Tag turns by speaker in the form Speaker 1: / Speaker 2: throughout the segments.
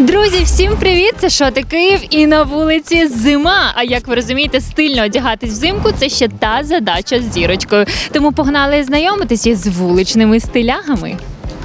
Speaker 1: Друзі, всім привіт! Це Шоти Київ і на вулиці зима. А як ви розумієте, стильно одягатись взимку – це ще та задача з зірочкою. Тому погнали знайомитися з вуличними стилягами.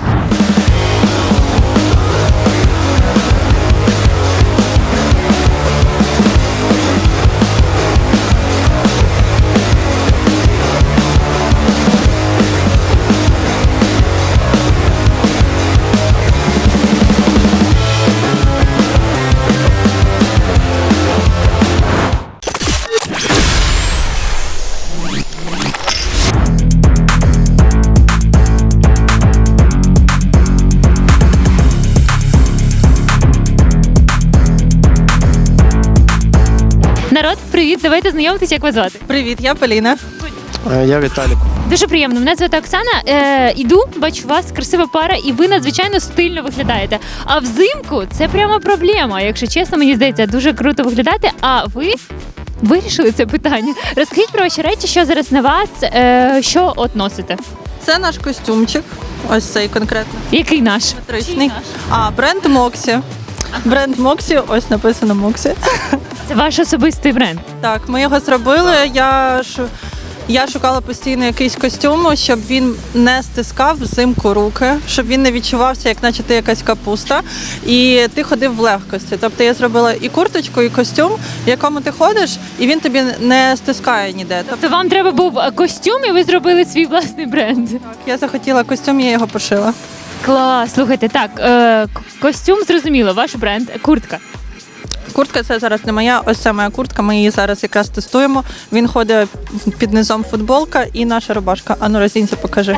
Speaker 1: Народ, привіт! Давайте знайомитися, як вас звати.
Speaker 2: Привіт, я Поліна.
Speaker 3: Я Віталік.
Speaker 1: Дуже приємно. Мене звати Оксана. Іду, бачу вас, красива пара, і ви надзвичайно стильно виглядаєте. А взимку це прямо проблема. Якщо чесно, мені здається, дуже круто виглядати. А ви вирішили це питання. Розкажіть про ваші речі, що зараз на вас, що от носите.
Speaker 2: Це наш костюмчик. Ось цей конкретно.
Speaker 1: Який наш?
Speaker 2: Симетричний. Бренд Моксі. Бренд Моксі, ось написано Моксі.
Speaker 1: Це ваш особистий бренд.
Speaker 2: Так, ми його зробили. Я шукала постійно якийсь костюм, щоб він не стискав взимку руки, щоб він не відчувався, як наче ти якась капуста, і ти ходив в легкості. Тобто я зробила і курточку, і костюм, в якому ти ходиш, і він тобі не стискає ніде.
Speaker 1: Тобто вам треба був костюм, і ви зробили свій власний бренд.
Speaker 2: Так, я захотіла костюм, я його пошила.
Speaker 1: Клас, слухайте, так, костюм зрозуміло, ваш бренд, куртка.
Speaker 2: Куртка це зараз не моя, ось це моя куртка, ми її зараз якраз тестуємо. Він ходить під низом футболка і наша рубашка. Ану, роздінься, покажи.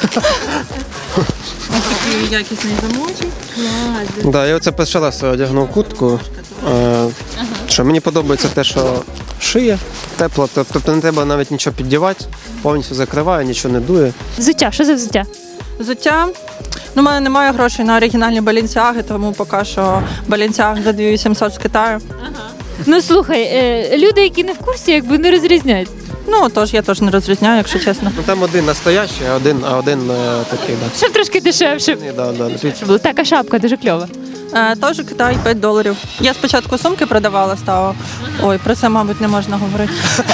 Speaker 2: Ось такий якісний замочок.
Speaker 3: Да, я оце перший раз одягнув куртку. Що мені подобається те, що шиє, тепло, тобто не треба навіть нічого піддівати, повністю закриває, нічого не дує.
Speaker 1: Взуття, що за взуття?
Speaker 2: Взуття. У мене немає грошей на оригінальні балінсіаги, тому поки що балінсіаг за 2800 з Китаю.
Speaker 1: Ну слухай, люди, які не в курсі, якби не розрізняють.
Speaker 2: Ну, тож я теж не розрізняю, якщо чесно.
Speaker 3: Ну, там один настоящий, а один такий, да.
Speaker 1: Щоб трошки дешевше.
Speaker 3: Да.
Speaker 1: Така шапка дуже кльова.
Speaker 2: Теж Китай, $5. Я спочатку сумки продавала, стала. Ой, про це, мабуть, не можна говорити.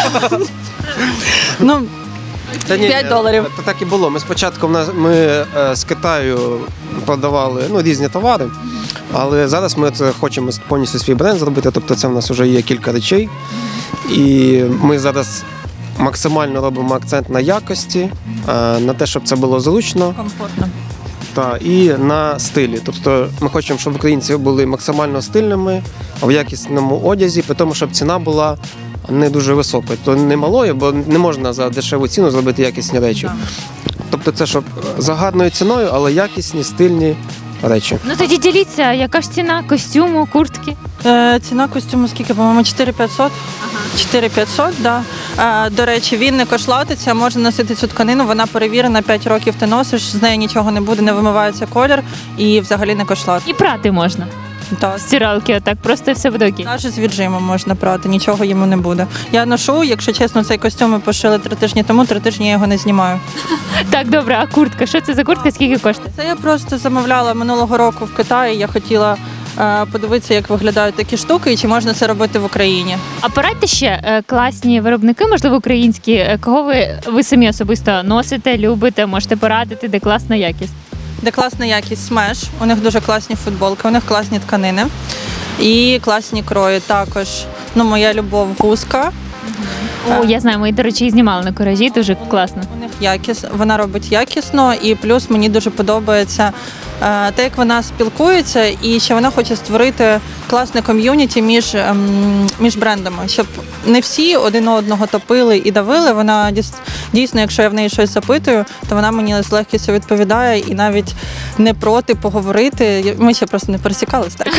Speaker 2: Ну,
Speaker 3: Та ні,
Speaker 2: $5.
Speaker 3: Це так і було. Ми спочатку ми з Китаю продавали різні товари, але зараз ми хочемо повністю свій бренд зробити, тобто це в нас вже є кілька речей. І ми зараз максимально робимо акцент на якості, на те, щоб це було зручно.
Speaker 2: комфортно.
Speaker 3: І на стилі. Тобто ми хочемо, щоб українці були максимально стильними в якісному одязі, при тому, щоб ціна була не дуже високою. Тобто не малою, бо не можна за дешеву ціну зробити якісні речі. Тобто це щоб за гарною ціною, але якісні, стильні речі.
Speaker 1: Ну тоді діліться, яка ж ціна костюму, куртки?
Speaker 2: Ціна костюму скільки, по-моєму, 4500? 4500, да. До речі, він не кошлатиться, можна носити цю тканину, вона перевірена, 5 років ти носиш, з нею нічого не буде, не вимивається колір і взагалі не кошлат.
Speaker 1: І прати можна.
Speaker 2: Так.
Speaker 1: Стиралки, отак, просто все буде окей.
Speaker 2: Навіть з віджимом можна прати, нічого йому не буде. Я ношу, якщо чесно, цей костюм ми пошили 3 тижні тому, 3 тижні я його не знімаю.
Speaker 1: Так, добре, а куртка? Що це за куртка, скільки коштує?
Speaker 2: Це я просто замовляла минулого року в Китаї, я хотіла подивитися, як виглядають такі штуки і чи можна це робити в Україні.
Speaker 1: А порадьте ще класні виробники, можливо, українські, кого ви самі особисто носите, любите, можете порадити, де класна якість?
Speaker 2: Де класна якість Smash, у них дуже класні футболки, у них класні тканини і класні крої також. Ну, моя любов Гуска.
Speaker 1: О, я знаю, ми, до речі, і знімали на Куражі, дуже класно.
Speaker 2: У них вона робить якісно, і плюс мені дуже подобається те, як вона спілкується, і що вона хоче створити класне ком'юніті між брендами, щоб не всі один одного топили і давили. Вона дійсно, якщо я в неї щось запитую, то вона мені з легкістю відповідає і навіть не проти поговорити. Ми ще просто не пересікались так.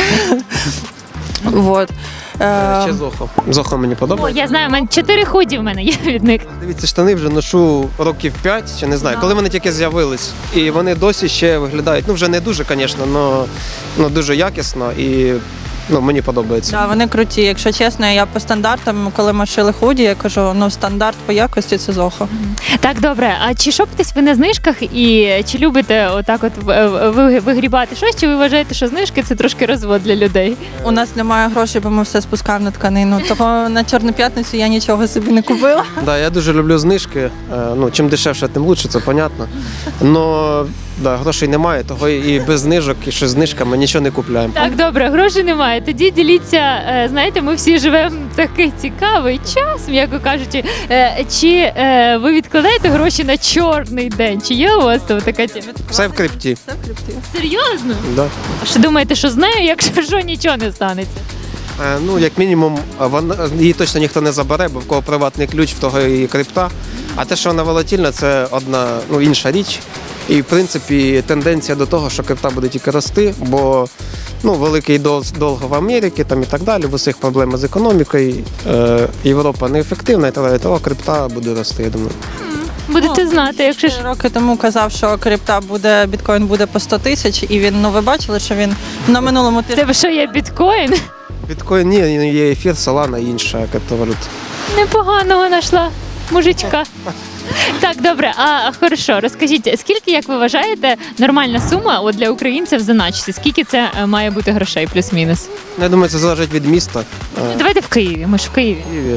Speaker 2: Вот.
Speaker 3: Ще Зохо. Зохо мені
Speaker 1: О,
Speaker 3: подобається.
Speaker 1: я знаю, у мене 4 худі в мене є від них.
Speaker 3: Дивіться, штани вже ношу років 5, чи не знаю, коли вони тільки з'явились. І вони досі ще виглядають, вже не дуже, звісно, але дуже якісно. І Мені подобається.
Speaker 2: Да, вони круті. Якщо чесно, я по стандартам, коли ми шили худі, я кажу, стандарт по якості це Зохо.
Speaker 1: Так, добре. А чи шопитесь ви на знижках і чи любите отак от вигрібати щось, чи ви вважаєте, що знижки це трошки розвод для людей?
Speaker 2: У нас немає грошей, бо ми все спускаємо на тканину. Того на Чорну п'ятницю я нічого собі не купила.
Speaker 3: Да, я дуже люблю знижки. Чим дешевше, тим краще, це понятно. Но грошей немає, того і без знижок, і що з знижками нічого не купляємо.
Speaker 1: Так, добре, грошей немає. Тоді діліться, знаєте, ми всі живемо в такий цікавий час, м'яко кажучи. Чи ви відкладаєте гроші на чорний день? Чи є у вас там така тема?
Speaker 3: Все в крипті.
Speaker 2: Все в крипті.
Speaker 1: Серйозно?
Speaker 3: Да.
Speaker 1: А що думаєте, що з нею, якщо що, нічого не станеться?
Speaker 3: Як мінімум, її точно ніхто не забере, бо в кого приватний ключ, в того і крипта. А те, що вона волатильна, це одна інша річ. І, в принципі, тенденція до того, що крипта буде тільки рости, бо великий долг в Америці там, і так далі, в усіх проблеми з економікою, Європа неефективна і так далі, того крипта буде рости, я думаю.
Speaker 1: Будете знати, якщо ж.
Speaker 2: Роки тому казав, що крипта буде, біткоін буде по 100 тисяч, і він, ви бачили, що він на минулому
Speaker 1: В
Speaker 2: тижні.
Speaker 1: тебе що є біткоін?
Speaker 3: Біткоін ні, є ефір, Solana і інша криптовалюта.
Speaker 1: Непоганого знайшла мужичка. Так, добре, хорошо, розкажіть, скільки, як ви вважаєте, нормальна сума для українців заначити? Скільки це має бути грошей, плюс-мінус?
Speaker 3: Я думаю, це залежить від міста.
Speaker 1: Давайте в Києві, ми ж в Києві.
Speaker 3: В Києві.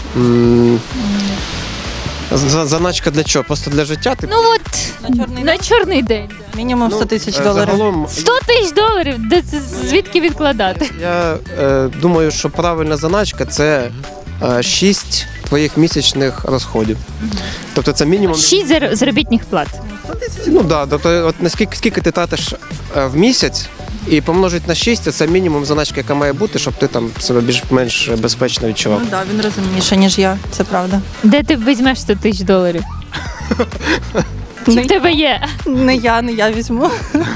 Speaker 3: Заначка для чого? Просто для життя?
Speaker 1: Ну от, на чорний день.
Speaker 2: Мінімум 100 тисяч доларів.
Speaker 3: Загалом,
Speaker 1: 100 тисяч доларів, де це звідки відкладати?
Speaker 3: я думаю, що правильна заначка – це 6 твоїх місячних розходів. Тобто це мінімум...
Speaker 1: 6 заробітних плат.
Speaker 3: Тобто от скільки ти тратиш в місяць, і помножить на 6, це мінімум заначки, яка має бути, щоб ти там себе більш-менш безпечно відчував.
Speaker 2: Ну так, він розумніше, ніж я, це правда.
Speaker 1: Де ти візьмеш 100 тисяч доларів? Чи в тебе є?
Speaker 2: Не я візьму.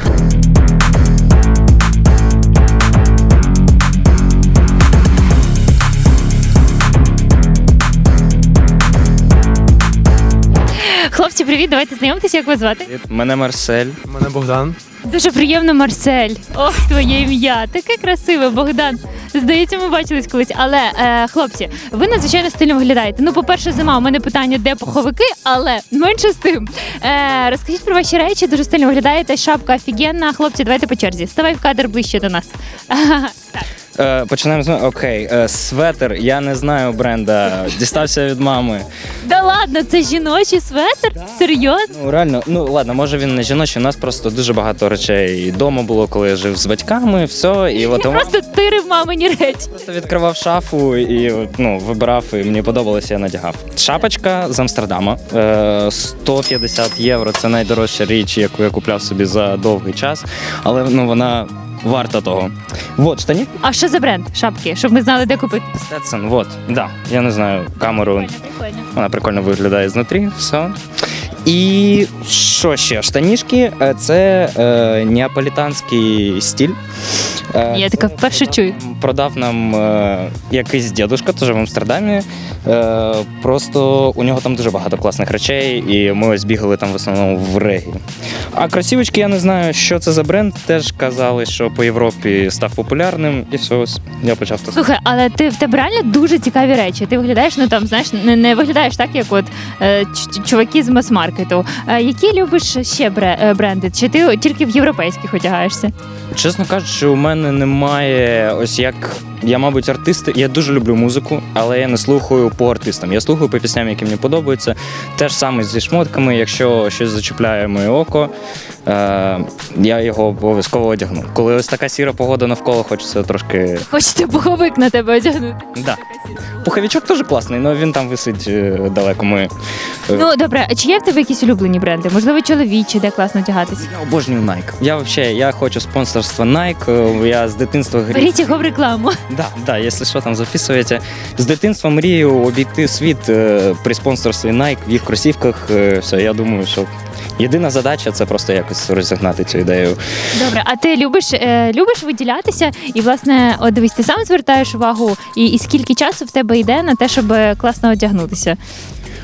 Speaker 1: Хлопці, привіт, давайте знайомитися, як вас звати?
Speaker 4: Мене Марсель.
Speaker 5: Мене Богдан.
Speaker 1: Дуже приємно, Марсель. Ох, твоє ім'я. Таке красиве, Богдан. Здається, ми бачились колись. Але, хлопці, ви надзвичайно стильно виглядаєте. По-перше, зима, у мене питання, де пуховики, але менше з тим. Розкажіть про ваші речі, дуже стильно виглядаєте. Шапка офігенна. Хлопці, давайте по черзі. Ставай в кадр ближче до нас. Так.
Speaker 4: Починаємо з окей. Светер, я не знаю бренда, дістався від мами.
Speaker 1: Да ладно, це жіночий светр? Серйозно?
Speaker 4: Реально, ладно, може він не жіночий, у нас просто дуже багато речей вдома було, коли я жив з батьками, все. І от
Speaker 1: Я просто тирив мамині речі.
Speaker 4: просто відкривав шафу і вибирав, і мені подобалося, я надягав. Шапочка з Амстердама, 150 євро, це найдорожча річ, яку я купляв собі за довгий час, але вона варта того. Вот, штані.
Speaker 1: А що за бренд шапки, щоб ми знали, де купити?
Speaker 4: Stetson, вот, да, я не знаю камеру. Вона прикольно виглядає знутрі, все. І що ще? Штанішки це неаполітанський стиль.
Speaker 1: Я така вперше чую.
Speaker 4: Продав нам якийсь дідушка, теж в Амстердамі. Просто у нього там дуже багато класних речей, і ми ось бігали там в основному в Регі. А кросівочки, я не знаю, що це за бренд. Теж казали, що по Європі став популярним, і все, ось я почав так.
Speaker 1: Слухай, але в тебе реально дуже цікаві речі. Ти виглядаєш, знаєш, не виглядаєш так, як от чуваки з мас-маркету. Які любиш ще бренди? Чи ти тільки в європейських одягаєшся?
Speaker 4: Чесно кажучи, у мене немає ось як. Я, мабуть, артист. Я дуже люблю музику, але я не слухаю по артистам. Я слухаю по пісням, які мені подобаються. Те ж саме зі шмотками. Якщо щось зачіпляє моє око, я його обов'язково одягну. Коли ось така сіра погода навколо, хочеться трошки.
Speaker 1: Хочете пуховик на тебе одягнути?
Speaker 4: Да. Пуховичок теж класний, але він там висить далеко.
Speaker 1: Ну добре, а чи є в тебе якісь улюблені бренди? Можливо, чоловічі, де класно одягатись?
Speaker 4: Я обожнюю Nike. Я хочу спонсорства Nike. Я з дитинства грію.
Speaker 1: Беріть його в рекламу.
Speaker 4: Да, якщо що там записуєте. З дитинства мрію обійти світ при спонсорстві Nike в їх кросівках. Все, я думаю, що єдина задача це просто якось розігнати цю ідею.
Speaker 1: Добре, а ти любиш виділятися? І, власне, от дивись, ти сам звертаєш увагу, і скільки часу в тебе йде на те, щоб класно одягнутися?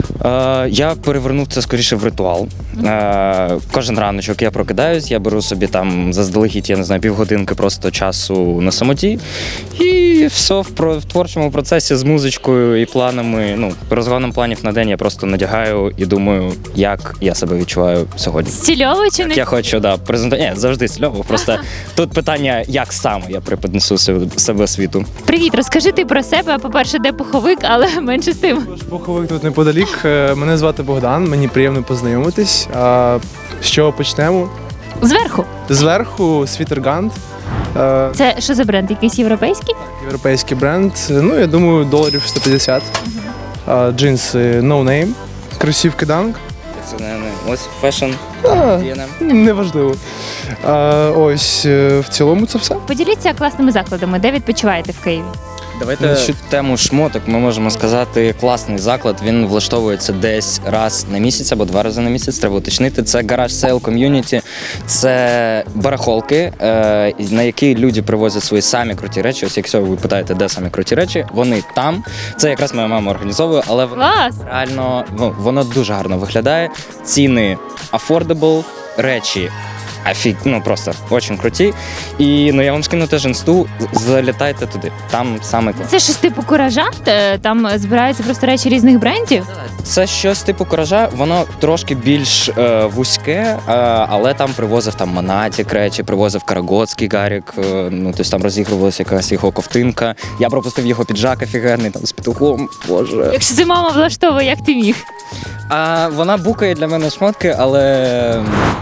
Speaker 4: Я перевернув це скоріше в ритуал. Кожен раночок я прокидаюсь, я беру собі там заздалегідь, я не знаю, півгодинки просто часу на самоті. І все в творчому процесі з музичкою і планами, ну, розгоном планів на день я просто надягаю і думаю, як я себе відчуваю сьогодні.
Speaker 1: Стильово чи не?
Speaker 4: Я хочу, презентувати. Ні, завжди стильово. Просто тут питання, як саме я преподнесу себе світу.
Speaker 1: Привіт, розкажи ти про себе. По-перше, де пуховик, але менше з тим.
Speaker 5: Тож пуховик тут неподалік. Мене звати Богдан, мені приємно познайомитись. А з чого почнемо?
Speaker 1: Зверху.
Speaker 5: Зверху Світергант,
Speaker 1: Це що за бренд? Якийсь європейський?
Speaker 5: європейський бренд. Ну, я думаю, доларів 150. Джинси No Name, кросівки Dunk.
Speaker 4: Це не ось фешн.
Speaker 5: Неважливо. Ось в цілому це все.
Speaker 1: Поділіться класними закладами, де відпочиваєте в Києві.
Speaker 4: Давайте
Speaker 5: Значить,
Speaker 4: в тему шмоток ми можемо сказати, класний заклад, він влаштовується десь раз на місяць або 2 рази на місяць, треба уточнити. Це гараж сейл ком'юніті, це барахолки, на які люди привозять свої самі круті речі. Ось якщо ви питаєте, де самі круті речі, вони там. Це якраз моя мама організовує, але
Speaker 1: Клас!
Speaker 4: реально воно дуже гарно виглядає. Ціни affordable, речі просто дуже круті. І я вам скину теж інсту, залітайте туди. Там саме клас.
Speaker 1: Це щось типу куража? Там збираються просто речі різних брендів?
Speaker 4: Це щось типу куража, воно трошки більш вузьке, але там привозив Монатік речі, привозив Карагоцький Гарік, тобто там розігрувалася якась його ковтинка. Я пропустив його піджак офігенний, там з петухом, боже.
Speaker 1: Якщо це мама влаштовує, як ти міг?
Speaker 4: Вона букає для мене шмотки, але...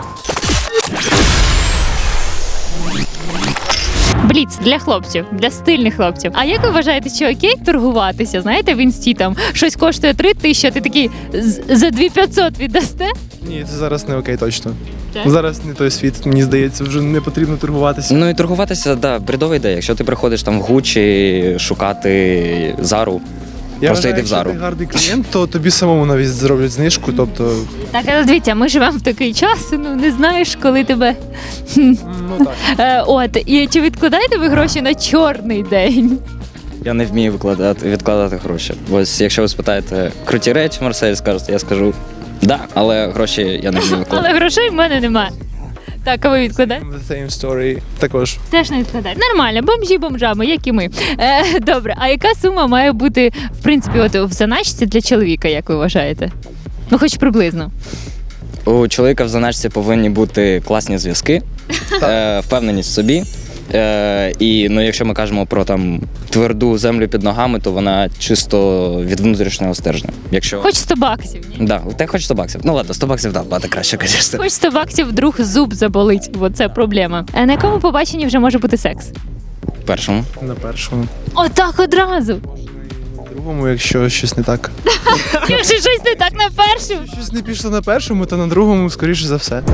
Speaker 1: Бліц для хлопців, для стильних хлопців. А як ви вважаєте, що окей торгуватися? Знаєте, в інсті там щось коштує 3 тисячі, а ти такий за 2500 віддасте?
Speaker 5: Ні, це зараз не окей точно.
Speaker 1: Так?
Speaker 5: Зараз не той світ, мені здається, вже не потрібно торгуватися.
Speaker 4: Ну і торгуватися, бредова ідея. Якщо ти приходиш там в Гучі шукати Зару,
Speaker 5: Я
Speaker 4: просто
Speaker 5: вважаю,
Speaker 4: йди в Зару.
Speaker 5: Якщо ти гарний клієнт, то тобі самому навіть зроблять знижку, тобто...
Speaker 1: Так, але дивіться, ми живемо в такий час, не знаєш, коли тебе.
Speaker 5: Ну так.
Speaker 1: І чи відкладаєте ви гроші на чорний день?
Speaker 4: Я не вмію відкладати гроші. Ось якщо ви спитаєте круті речі, Марсель, скажете, я скажу да, але гроші я не вмію відкладати.
Speaker 1: Але грошей в мене немає. Так, а ви відкладаєте?
Speaker 5: The same story також.
Speaker 1: Теж не відкладаєте. Нормально, бомжі бомжами, як і ми. Добре, а яка сума має бути, в принципі, в заначці для чоловіка, як ви вважаєте? Ну, хоч приблизно.
Speaker 4: У чоловіка в заначці повинні бути класні зв'язки, впевненість в собі. І якщо ми кажемо про тверду землю під ногами, то вона чисто від внутрішнього стержня.
Speaker 1: Хоч 100 баксів, ні?
Speaker 4: Да, ти хоч 100 баксів. Ну ладно, 100 баксів, багато краще, звісно.
Speaker 1: Хоч 100 баксів вдруг зуб заболить, бо це проблема. А на якому побаченні вже може бути секс?
Speaker 4: Першому.
Speaker 5: На першому.
Speaker 1: Отак одразу.
Speaker 5: Другому, якщо щось не так.
Speaker 1: Якщо щось не так на першому.
Speaker 5: Щось не пішло на першому, то на другому, скоріше за все.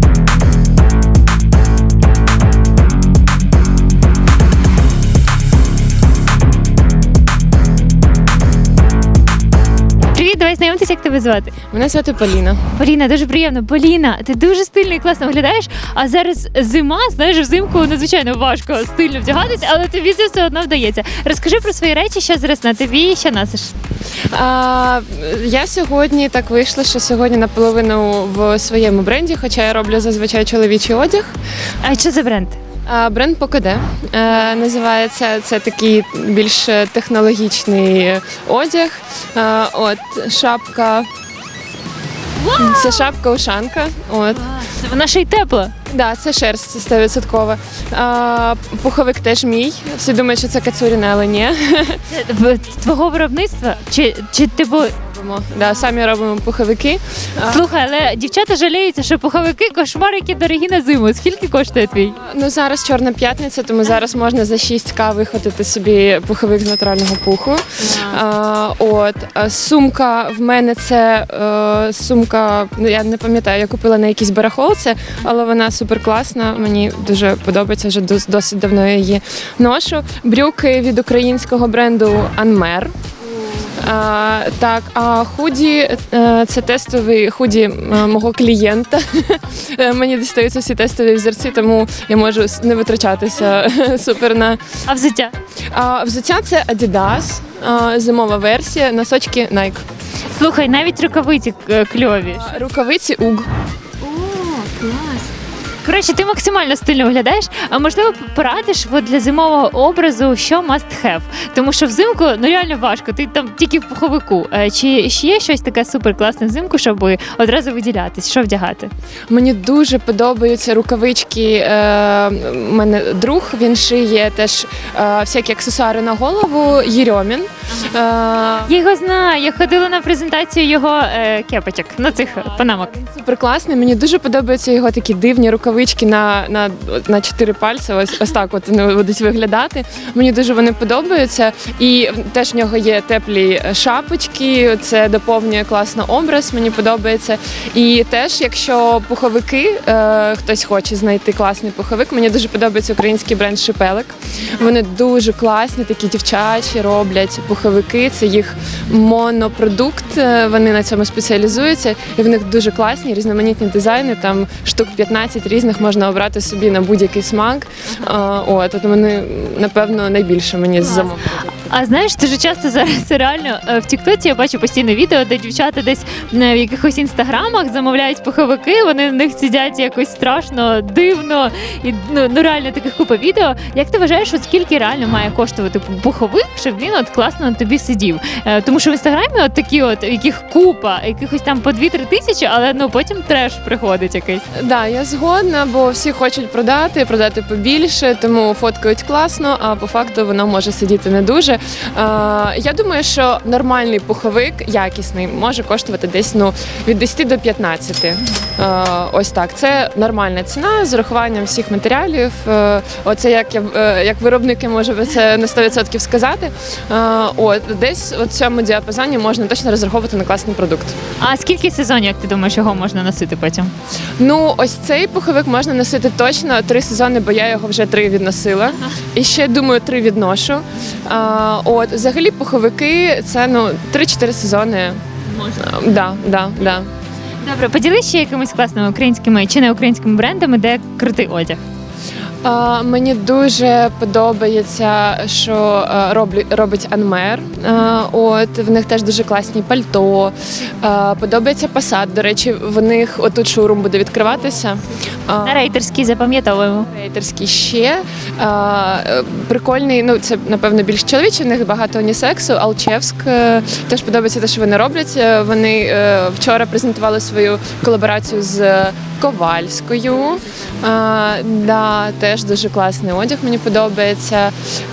Speaker 1: Привіт, давай знайомитися, як тебе звати.
Speaker 6: Мене звати Поліна.
Speaker 1: Поліна, дуже приємно. Поліна, ти дуже стильно і класно виглядаєш, а зараз зима, знаєш, взимку надзвичайно важко стильно вдягатися, але тобі це все одно вдається. Розкажи про свої речі, що зараз на тобі, що носиш.
Speaker 6: Я сьогодні так вийшла, що сьогодні наполовину в своєму бренді, хоча я роблю зазвичай чоловічий одяг.
Speaker 1: А що за бренд?
Speaker 6: Бренд Покоде називається. Це такий більш технологічний одяг. Шапка. Це шапка-ушанка.
Speaker 1: Це вона ще й тепла.
Speaker 6: Да, це шерсть 100%. Пуховик теж мій. Всі думають, що це кацуріне, але ні.
Speaker 1: Це твого виробництва? Чи типу.
Speaker 6: Да, самі робимо пуховики.
Speaker 1: Слухай, але дівчата жаліються, що пуховики кошмар, які дорогі на зиму. Скільки коштує твій?
Speaker 6: Ну зараз Чорна п'ятниця, тому зараз можна за 6К виходити собі пуховик з натурального пуху. Сумка в мене це сумка, я не пам'ятаю, я купила на якійсь барахолці, але вона супер класна. Мені дуже подобається, вже досить давно я її ношу. Брюки від українського бренду Анмер. Худі це тестовий худі мого клієнта. Мені дістаються всі тестові взірці, тому я можу не витрачатися супер на.
Speaker 1: А взуття?
Speaker 6: Взуття це Adidas, зимова версія, носочки Nike.
Speaker 1: Слухай, навіть рукавиці кльові.
Speaker 6: Рукавиці уг.
Speaker 1: О, клас. Коротше, ти максимально стильно виглядаєш, а можливо порадиш от для зимового образу, що must have? Тому що взимку ну реально важко, ти там тільки в пуховику. Чи ще є щось таке супер класне взимку, щоб одразу виділятись? Що вдягати?
Speaker 6: Мені дуже подобаються рукавички. У мене друг, він шиє теж всякі аксесуари на голову, Єрьомін.
Speaker 1: Я його знаю, я ходила на презентацію його кепочок, ну цих панамок.
Speaker 6: Супер класний. Мені дуже подобаються його такі дивні рукавички на 4 пальці. Ось так от вони будуть виглядати. Мені дуже вони подобаються. І теж в нього є теплі шапочки. Це доповнює класно образ. Мені подобається. І теж, якщо пуховики, хтось хоче знайти класний пуховик, мені дуже подобається український бренд Шипелик. Вони дуже класні, такі дівчачі роблять пуховики. Це їх монопродукт. Вони на цьому спеціалізуються. І в них дуже класні різноманітні дизайни. Там штук 15 різних можна обрати собі на будь-який смак. От вони, напевно, найбільше мені замовили.
Speaker 1: А знаєш, дуже часто зараз реально в Тіктоці я бачу постійно відео, де дівчата десь в якихось інстаграмах замовляють пуховики, вони в них сидять якось страшно, дивно. І ну реально таких купа відео. Як ти вважаєш, от скільки реально має коштувати пуховик, щоб він от класно на тобі сидів? Тому що в інстаграмі от такі от, яких купа, якихось там по 2-3 тисячі, але ну потім треш приходить якийсь.
Speaker 6: Да, я згодна, бо всі хочуть продати побільше, тому фоткають класно, а по факту воно може сидіти не дуже. Я думаю, що нормальний пуховик, якісний, може коштувати десь від 10 до 15. Ось так. Це нормальна ціна з урахуванням всіх матеріалів. Оце як виробники можу це на 100% сказати. Десь в цьому діапазоні можна точно розраховувати на класний продукт.
Speaker 1: А скільки сезонів, як ти думаєш, його можна носити потім?
Speaker 6: Ну, ось цей пуховик можна носити точно 3 сезони, бо я його вже 3 відносила. І ще, думаю, 3 відношу. Взагалі пуховики це 3-4 сезони. Можна. Да.
Speaker 1: Добре, поділись ще якимись класними українськими чи не українськими брендами, де крутий одяг.
Speaker 6: Мені дуже подобається, що робить Анмер. В них теж дуже класні пальто. Подобається Passat. До речі, в них отут шоурум буде відкриватися.
Speaker 1: На Рейтерській запам'ятовуємо.
Speaker 6: Рейтерський ще. Прикольний, це, напевно, більш чоловічий, в них багато унісексу. Алчевськ. Теж подобається те, що вони роблять. Вони вчора презентували свою колаборацію з Ковальською. Теж дуже класний одяг, мені подобається.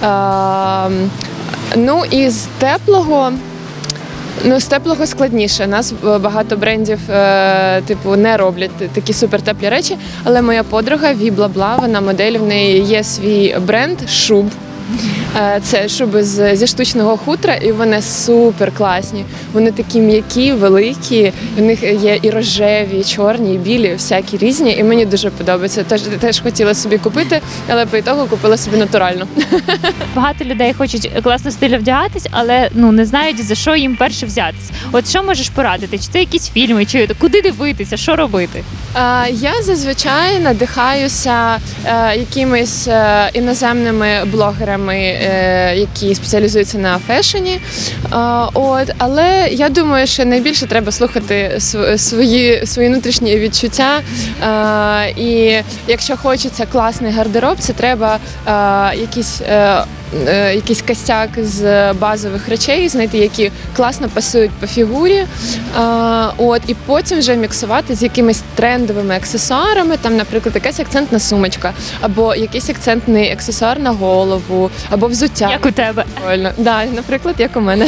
Speaker 6: І з теплого. З теплого складніше. У нас багато брендів не роблять такі супертеплі речі, але моя подруга Ві-Бла-Бла, вона модель, в неї є свій бренд шуб. Це шуби зі штучного хутра, і вони супер класні. Вони такі м'які, великі, в них є і рожеві, і чорні, і білі, всякі різні, і мені дуже подобається. Теж хотіла собі купити, але по ітогу купила собі натурально.
Speaker 1: Багато людей хочуть класно стильно вдягатись, але не знають, за що їм перше взятись. От що можеш порадити? Чи це якісь фільми, чи куди дивитися, що робити?
Speaker 6: Я зазвичай надихаюся якимись іноземними блогерами, які спеціалізуються на фешені. Але я думаю, що найбільше треба слухати свої внутрішні відчуття. І якщо хочеться класний гардероб, це треба якийсь костяк з базових речей, знайти, які класно пасують по фігурі. І потім вже міксувати з якимись трендовими аксесуарами, там, наприклад, якась акцентна сумочка, або якийсь акцентний аксесуар на голову, або взуття.
Speaker 1: Як у тебе.
Speaker 6: Да, наприклад, як у мене.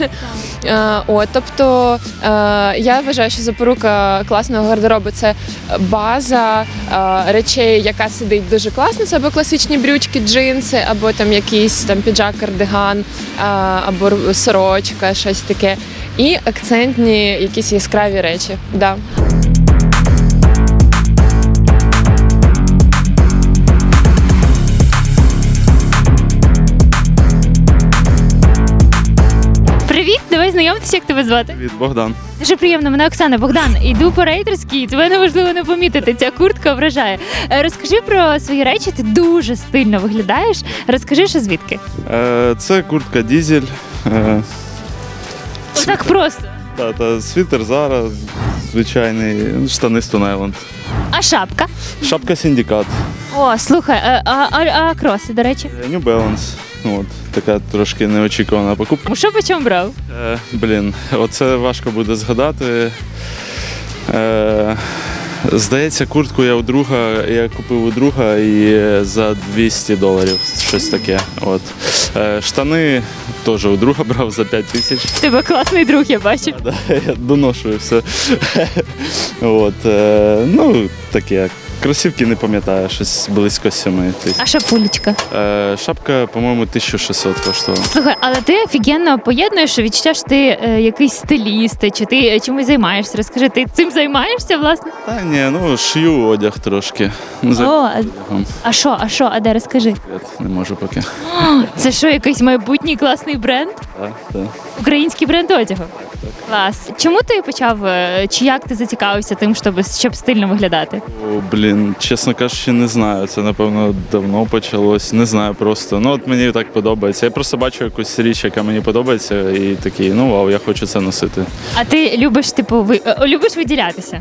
Speaker 6: Тобто я вважаю, що запорука класного гардеробу – це база речей, яка сидить дуже класно, це або класичні брючки, джинси, або там якийсь піджак, кардиган, або сорочка, щось таке. І акцентні якісь яскраві речі. Да.
Speaker 1: Привіт, давай знайомитися, як тебе звати?
Speaker 7: Від Богдан.
Speaker 1: Дуже приємно, мене Оксана. Богдан, іду по Рейтерській, тебе неможливо не помітити, ця куртка вражає. Розкажи про свої речі, ти дуже стильно виглядаєш. Розкажи, що звідки?
Speaker 7: Це куртка Дізель.
Speaker 1: Так просто.
Speaker 7: Та світер зараз, звичайний, штани Stone Island.
Speaker 1: А шапка?
Speaker 7: Шапка Синдикат,
Speaker 1: О, слухай, а кроси, до речі?
Speaker 7: New Balance. От, така трошки неочікувана покупка.
Speaker 1: Що по чому брав?
Speaker 7: Оце важко буде згадати. Здається, куртку я купив у друга і за $200, щось таке. От. Штани теж у друга брав за 5000.
Speaker 1: Тебе класний друг, я бачу.
Speaker 7: Да, я доношую все. От, таке. Кросівки не пам'ятаю, щось близько 7 тисяч.
Speaker 1: А шапулечка?
Speaker 7: Шапка, по-моєму, 1600 коштувала.
Speaker 1: Слухай, але ти офігенно поєднуєш відчуття, що ти якийсь стиліст, чи ти чимось займаєшся? Розкажи, ти цим займаєшся, власне?
Speaker 7: Та ні, шию одяг трошки.
Speaker 1: О, а де, розкажи?
Speaker 7: Не можу поки.
Speaker 1: Це що, якийсь майбутній класний бренд?
Speaker 7: Так.
Speaker 1: Український бренд одягу? Клас. Чому ти почав, чи як ти зацікавився тим, щоб стильно виглядати?
Speaker 7: Чесно кажучи, не знаю. Це, напевно, давно почалось. Не знаю просто. От мені так подобається. Я просто бачу якусь річ, яка мені подобається, і такий, вау, я хочу це носити.
Speaker 1: А ти любиш, любиш виділятися?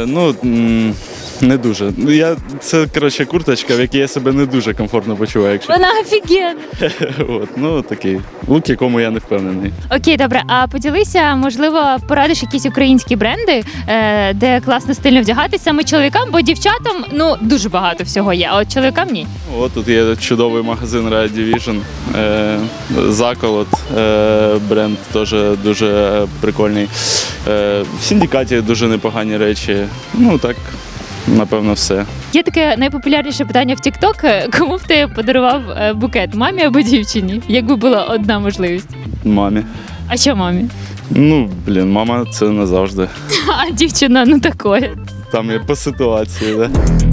Speaker 7: Не дуже. Це, курточка, в якій я себе не дуже комфортно почуваю. Якщо...
Speaker 1: Вона офігенна.
Speaker 7: Такий лук, якому я не впевнений.
Speaker 1: Окей, добре. А поділися, можливо, порадиш якісь українські бренди, де класно стильно вдягатися саме чоловікам, бо дівчатам, дуже багато всього є, а от чоловікам ні.
Speaker 7: Тут є чудовий магазин Riot Division, Заколот, бренд теж дуже прикольний. В Синдикаті дуже непогані речі. Так, напевно, все.
Speaker 1: Є таке найпопулярніше питання в TikTok. Кому б ти подарував букет? Мамі або дівчині? Якби була одна можливість.
Speaker 7: Мамі.
Speaker 1: А що мамі?
Speaker 7: Мама це не завжди.
Speaker 1: А дівчина, такое.
Speaker 7: Там є по ситуації, да.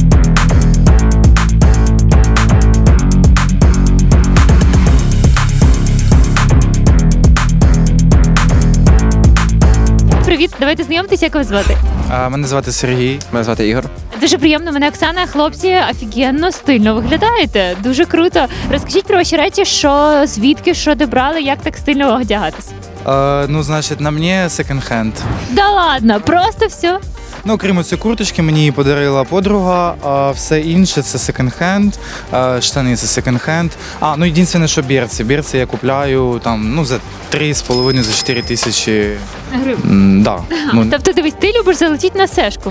Speaker 1: Привіт, давайте знайомитися, як вас звати.
Speaker 8: Мене звати Сергій. Мене звати Ігор.
Speaker 1: Дуже приємно, мене Оксана. Хлопці, офігенно стильно виглядаєте. Дуже круто. Розкажіть про ваші речі, звідки, що де брали, як так стильно одягатись.
Speaker 8: На мені секонд-хенд.
Speaker 1: Да ладно, просто все.
Speaker 8: Крім цієї курточки, мені її подарила подруга, а все інше це секонд-хенд, штани це секонд-хенд. Єдине, що берці. Берці я купляю за 3,5, за 4 тисячі
Speaker 1: гривень.
Speaker 8: Да.
Speaker 1: Тобто, дивись, ти любиш залетіти на сешку.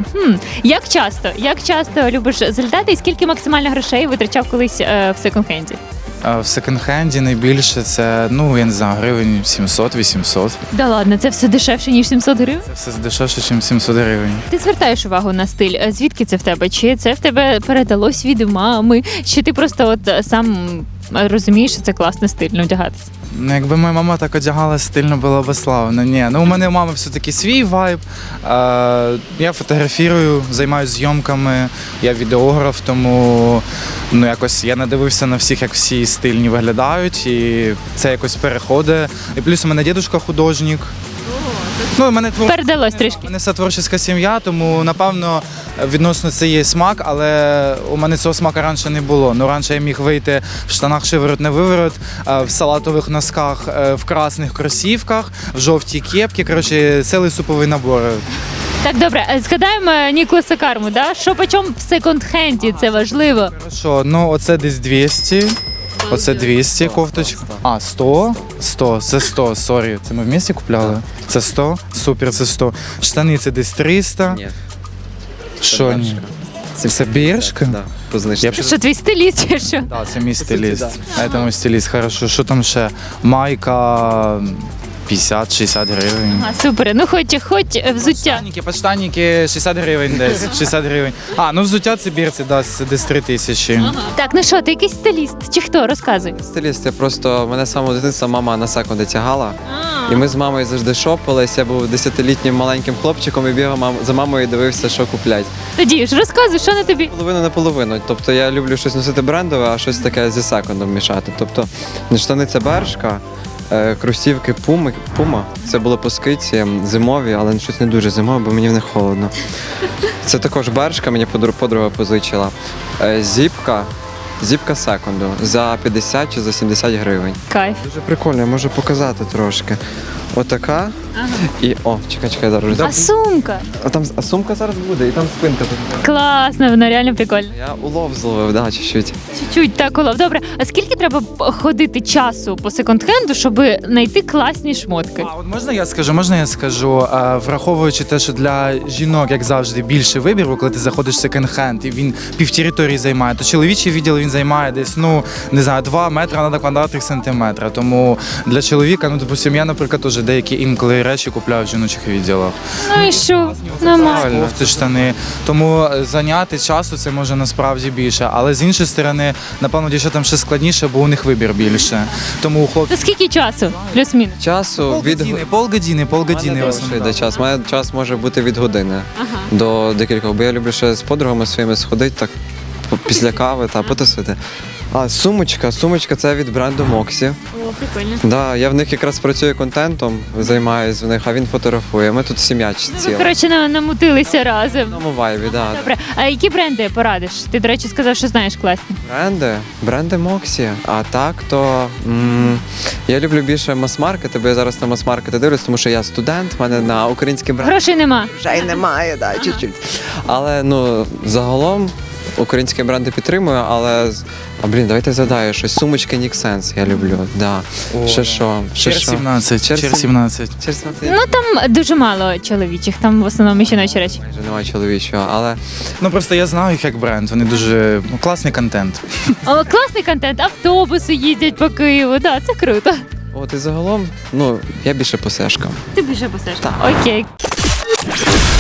Speaker 1: Як часто любиш залітати і скільки максимально грошей витрачав колись в секонд-хенді?
Speaker 8: В секонд-хенді найбільше це, я не знаю, гривень 700-800.
Speaker 1: Да ладно, це все дешевше, ніж 700 гривень?
Speaker 8: Це все дешевше, ніж 700 гривень.
Speaker 1: Ти звертаєш увагу на стиль. Звідки це в тебе? Чи це в тебе передалось від мами? Чи ти просто сам розумієш, що це класно стильно вдягатися?
Speaker 8: Якби моя мама так одягала, стильно було б славно. Ні, у мене у мами все-таки свій вайб. Я фотографірую, займаюся зйомками, я відеограф, тому якось я надивився на всіх, як всі стильні виглядають, і це якось переходить. І плюс у мене дідусь художник.
Speaker 1: Передалось трішки.
Speaker 8: У мене вся творча сім'я, тому, напевно, відносно це є смак, але у мене цього смаку раніше не було. Раніше я міг вийти в штанах шиворот не виворот, в салатових носках, в красних кросівках, в жовтій кепці, цілий суповий набор.
Speaker 1: Так, добре, згадаємо Ніколаса Карму, да? Що почому в секонд-хенді, це важливо.
Speaker 8: Хорошо, оце десь 200. Оце 200 кофточка. 100? 100, це 100, сорі. Це ми в місті купляли? Це 100? Супер, це 100. Штани це десь 300.
Speaker 9: Ні.
Speaker 8: Що ні? Це біршка?
Speaker 9: Да, по знижці.
Speaker 1: Що, твій стиліст чи що?
Speaker 8: Так, це мій стиліст. Це мій стиліст, хорошо. Що там ще? Майка 50-60 гривень.
Speaker 1: Супер. Хоч взуття.
Speaker 8: Подштанники 60 гривень десь. 60 гривень. Взуття це бірці, це десь 3 тисячі.
Speaker 1: Так, ти якийсь стиліст? Чи хто? Розказуй.
Speaker 9: Стиліст, мене з самого дитинства мама на секунди тягала. І ми з мамою завжди шопились. Я був 10-літнім маленьким хлопчиком і бігав за мамою і дивився, що куплять.
Speaker 1: Тоді ж розказуй, що на тобі?
Speaker 9: Половину на половину. Тобто я люблю щось носити брендове, а щось таке зі секондом мішати. Тобто штани це Бершка, кросівки Puma. Це було по скидці зимові, але щось не дуже зимове, бо мені в них холодно. Це також Бершка, мені подруга позичила. Зіпка зіпка секунду за 50 чи за 70 гривень.
Speaker 1: Кайф.
Speaker 9: Дуже прикольно, я можу показати трошки. Отака.
Speaker 1: Ага.
Speaker 9: І чекай, зараз.
Speaker 1: А сумка?
Speaker 9: А сумка зараз буде, і там спинка тут.
Speaker 1: Класно, вона реально прикольна.
Speaker 9: Я улов зловив, да, чуть-чуть.
Speaker 1: Чуть-чуть так улов. Добре, а скільки треба ходити часу по секонд-хенду, щоб знайти класні шмотки?
Speaker 8: А от можна я скажу, враховуючи те, що для жінок, як завжди, більше вибіру, коли ти заходиш в секонд-хенд і він півтериторії займає, то чоловічий відділ він займає десь, 2 метри на квадратних сантиметра. Тому для чоловіка, допустим, я, наприклад, теж деякі інколи речі купляю в жіночих відділах.
Speaker 1: Ну і що? Нормально.
Speaker 8: Кофти, штани. Тому зайняти часу це може насправді більше. Але з іншої сторони, напевно, дівчатам ще складніше, бо у них вибір більше. Тому у хлопців
Speaker 1: То скільки часу? Плюс-мінус.
Speaker 9: Часу від
Speaker 8: полгодини.
Speaker 9: йде час. У мене час може бути від години
Speaker 1: Ага.
Speaker 9: до декількох, бо я люблю ще з подругами своїми сходити так після кави та потусити. А сумочка це від бренду Moxie.
Speaker 1: О, прикольно.
Speaker 9: Да, я в них якраз працюю контентом, займаюсь в них, а він фотографує. Ми тут сім'я
Speaker 1: Ви,
Speaker 9: ціла.
Speaker 1: коротше, намутилися разом.
Speaker 9: В одному вайбі, да.
Speaker 1: Добре, а які бренди порадиш? Ти, до речі, сказав, що знаєш класні.
Speaker 9: Бренди Moxie. А так, то я люблю більше мас-маркети, бо я зараз на мас-маркети дивлюсь, тому що я студент, в мене на український бренд
Speaker 1: Грошей нема.
Speaker 9: вже й немає, да, чуть-чуть. Але загалом українські бренди підтримую, але давайте згадаю щось. Сумочки Nick Sense я люблю. Да. Ще що?
Speaker 8: Чер 17.
Speaker 9: Чер
Speaker 8: 17.
Speaker 1: Ну там дуже мало чоловічих, там в основному жіночі речі.
Speaker 9: Майже немає чоловічого, але
Speaker 8: Просто я знаю їх як бренд. Вони дуже класний контент.
Speaker 1: О, класний контент, автобуси їздять по Києву, да, це круто.
Speaker 9: і загалом, я більше по сешкам.
Speaker 1: Ти більше посеш. Окей.